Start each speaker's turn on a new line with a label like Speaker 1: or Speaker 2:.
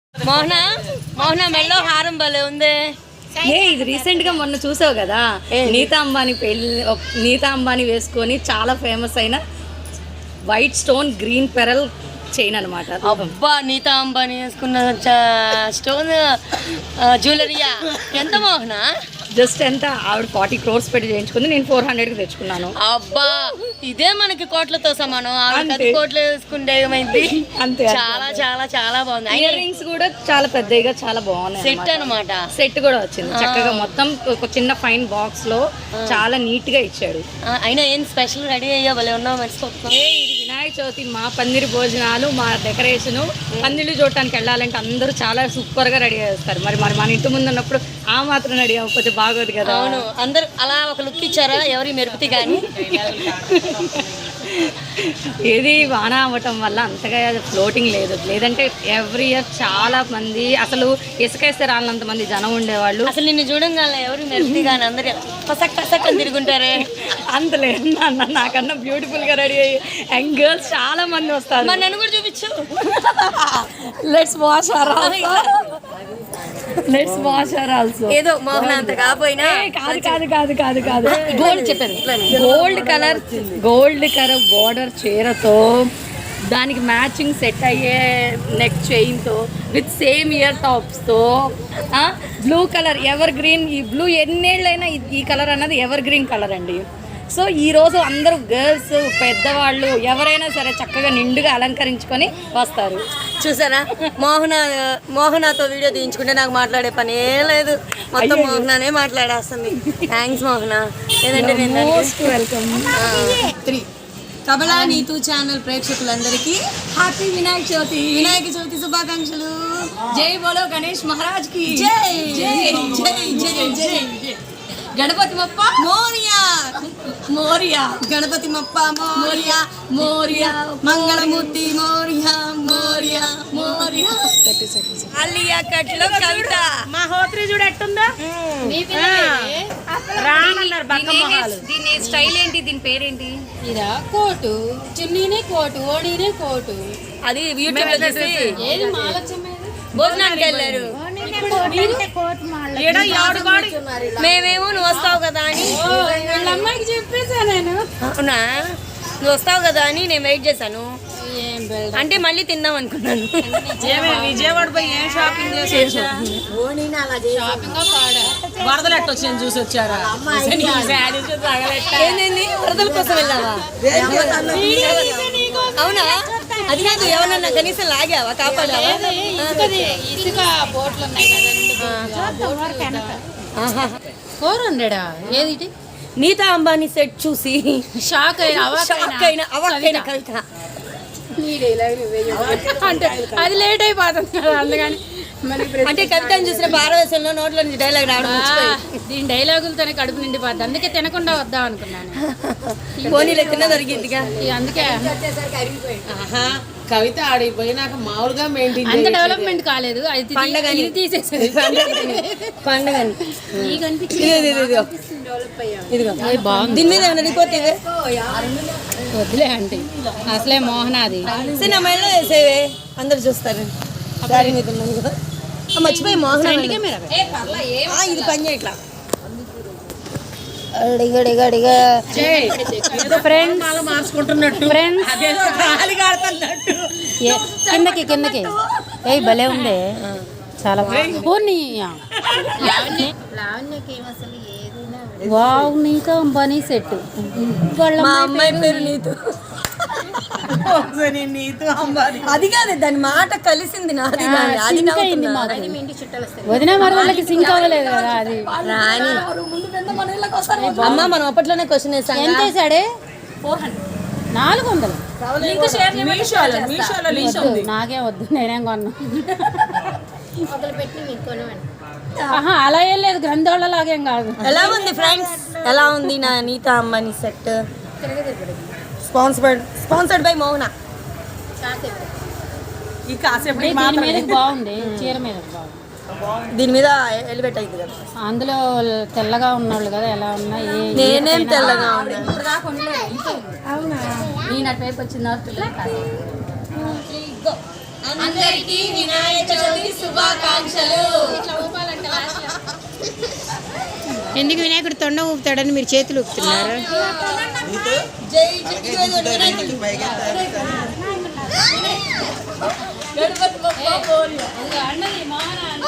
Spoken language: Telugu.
Speaker 1: మోహన మోహన మెల్లో హారం భలే ఉంది.
Speaker 2: ఇది రీసెంట్ గా మొన్న చూసావు కదా, నీతా అంబానీ వేసుకొని చాలా ఫేమస్ అయిన white stone green pearl chain అనమాట.
Speaker 1: అబ్బా, నీతా అంబానీ వేసుకున్న స్టోన్ జ్యువెలరీయా ఎంత మోహన?
Speaker 2: జస్ట్ ఎంత ఆవిడ 40 crores పెట్టి చేయించుకుంది, నేను 400కి తెచ్చుకున్నాను.
Speaker 1: అబ్బా, ఇదే మనకి కోట్లతో సమానం. ఆవిడ కోట్లు వేసుకుంటే ఏమైంది?
Speaker 2: అంతే.
Speaker 1: చాలా చాలా చాలా బాగుంది.
Speaker 2: ఇయర్ రింగ్స్ కూడా చాలా పెద్దగా చాలా బాగున్నాయి.
Speaker 1: సెట్ అనమాట.
Speaker 2: సెట్ కూడా వచ్చింది చక్కగా, మొత్తం ఒక చిన్న ఫైన్ బాక్స్ లో చాలా నీట్ గా ఇచ్చాడు.
Speaker 1: అయినా ఏం స్పెషల్ రెడీ అయ్యా భలే ఉన్నావు మర్చిపోతున్నావు.
Speaker 2: ఇది వినాయక చవితి, మా పందిరి భోజనాలు, మా డెకరేషన్, పందిళ్ళు చూడటానికి వెళ్ళాలంటే అందరూ చాలా సూపర్ గా రెడీ చేస్తారు. మరి మన ఇంటి ముందు ఉన్నప్పుడు ఆ మాత్రం రెడీ అవ్వకపోతే బాగోదు కదా.
Speaker 1: అవును, అందరు అలా ఒక లుక్ ఇచ్చారా ఎవరి మెరుపుతి కానీ.
Speaker 2: ఏది వాన అవ్వటం వల్ల అంతగా ఫ్లోటింగ్ లేదు, లేదంటే ఎవ్రీ ఇయర్ చాలా మంది, అసలు ఇసుకేస్తే రాళ్ళంత మంది జనం ఉండేవాళ్ళు.
Speaker 1: అసలు నిన్ను చూడంగానే ఎవరు మెరుపుతి కానీ అందరు పసక్ పసక్ అని తిరుగుంటారే.
Speaker 2: అంత లేదు అన్న, నాకన్నా బ్యూటిఫుల్ గా రెడీ అయ్యి యంగ్ గర్ల్స్ చాలా మంది వస్తారు.
Speaker 1: మరి నన్ను కూడా చూపించు.
Speaker 2: Let's wash our also.
Speaker 1: ఏదో మోహన అంత కాకపోయినా
Speaker 2: కాదు
Speaker 1: గోల్డ్ చెప్పాను.
Speaker 2: గోల్డ్ కలర్ బోర్డర్ చీరతో, దానికి మ్యాచింగ్ సెట్ అయ్యే నెక్ చైన్తో, విత్ సేమ్ ఇయర్ టాప్స్తో, బ్లూ కలర్ ఎవర్ గ్రీన్. ఈ బ్లూ ఎన్నేళ్ళైనా ఈ కలర్ అన్నది ఎవర్ గ్రీన్ కలర్ అండి. సో ఈరోజు అందరూ గర్ల్స్, పెద్దవాళ్ళు ఎవరైనా సరే చక్కగా నిండుగా అలంకరించుకొని వస్తారు.
Speaker 1: చూసారా, మోహనాతో వీడియో తీయించుకుంటే నాకు మాట్లాడే పనే లేదు, మొత్తం మోహనానే మాట్లాడేస్తుంది. థ్యాంక్స్ మోహన. ఏదంటే
Speaker 2: వెల్కమ్.
Speaker 1: కబలా నీతూ ఛానల్ ప్రేక్షకులందరికీ
Speaker 2: హ్యాపీ వినాయక చవితి
Speaker 1: శుభాకాంక్షలు.
Speaker 2: జై బోలో గణేష్ మహారాజ్ కి
Speaker 1: జై జై జై జై జై.
Speaker 2: గణపతి మప్ప
Speaker 1: మోరియా
Speaker 2: మోరియా,
Speaker 1: గణపతి మప్ప మోరియా
Speaker 2: మోరియా,
Speaker 1: మంగళమూర్తి మోరియా మోరియా మోరియా. అలియా కట్లో కవిత
Speaker 3: మా హోత్రి చూడు ఎట్టుందా రానన్నారు బక్కమొహాలు.
Speaker 2: దీని స్టైల్ ఏంటి, దీని పేరేంటి?
Speaker 3: ఇదా కోటు, చున్నీనే కోటు, ఓడీనే కోటు.
Speaker 1: అది యూట్యూబ్ లో చూసి
Speaker 3: ఏది మాలచ్చమ్మేది
Speaker 1: భోజనానికి వెళ్ళారు. మేమేమో నువ్వు వస్తావు కదా అని,
Speaker 3: వాళ్ళ అమ్మాయికి చెప్పేసా నేను.
Speaker 1: అవునా, నువ్వు వస్తావు కదా అని నేను వెయిట్ చేశాను.
Speaker 3: ఏం బెల్ట్
Speaker 1: అంటే మళ్ళీ తిందాం అనుకున్నాను.
Speaker 3: విజయవాడ పోయి ఏం షాపింగ్ చేసా? షాపింగ్ పాడా వరదలు ఎట్ట వచ్చాయని చూసి వచ్చారా?
Speaker 1: ఏంది వరదల కోసం వెళ్ళావా? అవునా, అది కాదు, ఎవరన్నా కనీసం లాగావా, కాపాడావా?
Speaker 3: ఇసుక బోట్లు ఉన్నాయి కదా, 400 ఏది?
Speaker 1: నీతా అంబానీ సెట్ చూసి
Speaker 3: షాక్ అయిన
Speaker 1: అవక్కైన కవిత.
Speaker 3: అంటే అది లేట్ అయిపోతుంది కదా, అందుకని
Speaker 1: అంటే కవితను చూసిన భారతదేశంలో నోట్లో నుంచి డైలాగ్ రావడం
Speaker 3: దీని డైలాగులతోనే కడుపు నిండిపోద్ది, అందుకే తినకుండా వద్దాం అనుకున్నాను.
Speaker 1: పోనీలో తిన్న దొరికిందిగా,
Speaker 3: అందుకే
Speaker 4: కవిత ఆడిపోయినాక మామూలుగా మెయింటైన్
Speaker 3: అంత డెవలప్మెంట్ కాలేదు. అది
Speaker 1: పండగని
Speaker 3: తీసేసేది.
Speaker 1: పండగని
Speaker 3: నీకు అనిపించింది
Speaker 1: దీని మీద ఏమైనా రిపోర్ట్ ఇవే
Speaker 3: వద్దులే అంటే అసలే మోహనాది
Speaker 1: సినిమాలో వేసేవే అందరు చూస్తారు. దారి మీద ఉన్నాను కదా, మర్చిపోయి మోహన ఇది పని చేయట్లా.
Speaker 3: కిందకి ఏ భలే ఉందే, చాలా వావ్. నీతో అంబానీ సెట్,
Speaker 1: మా అమ్మాయి పేరు నీతు. అది కాదు, దాని మాట కలిసింది నాది. అది
Speaker 3: వదిన మరదలకి సింక్ అవ్వలేదు కదా అది.
Speaker 1: రాని అమ్మ, మనం అప్పట్లోనే క్వశ్చన్ వేసాం.
Speaker 3: ఎంత వేసాడే? 400. నాకేం వద్దు, నేనేం కొన్నా. అలా ఏం లేదు, గ్రంథాలలాగేం కాదు.
Speaker 1: ఎలా ఉంది ఫ్రెండ్స్, ఎలా ఉంది నా Neeta Ambani set? Sponsored by Mohana.
Speaker 3: దీని మీద బాగుంది, చీర మీద బాగుంది.
Speaker 1: దీని మీద ఎలివేట్ అయింది కదా,
Speaker 3: అందులో తెల్లగా ఉన్నోళ్ళు కదా, ఎలా ఉన్నా
Speaker 1: నేనేం తెల్లగా
Speaker 2: నేను అటువైపు వచ్చిన
Speaker 1: అందరికీ వినాయక చవితి
Speaker 5: ఎందుకు వినాయకుడు తొండ ఊపుతాడని మీరు చేతులు ఊపుతున్నారు?
Speaker 2: అన్నది మా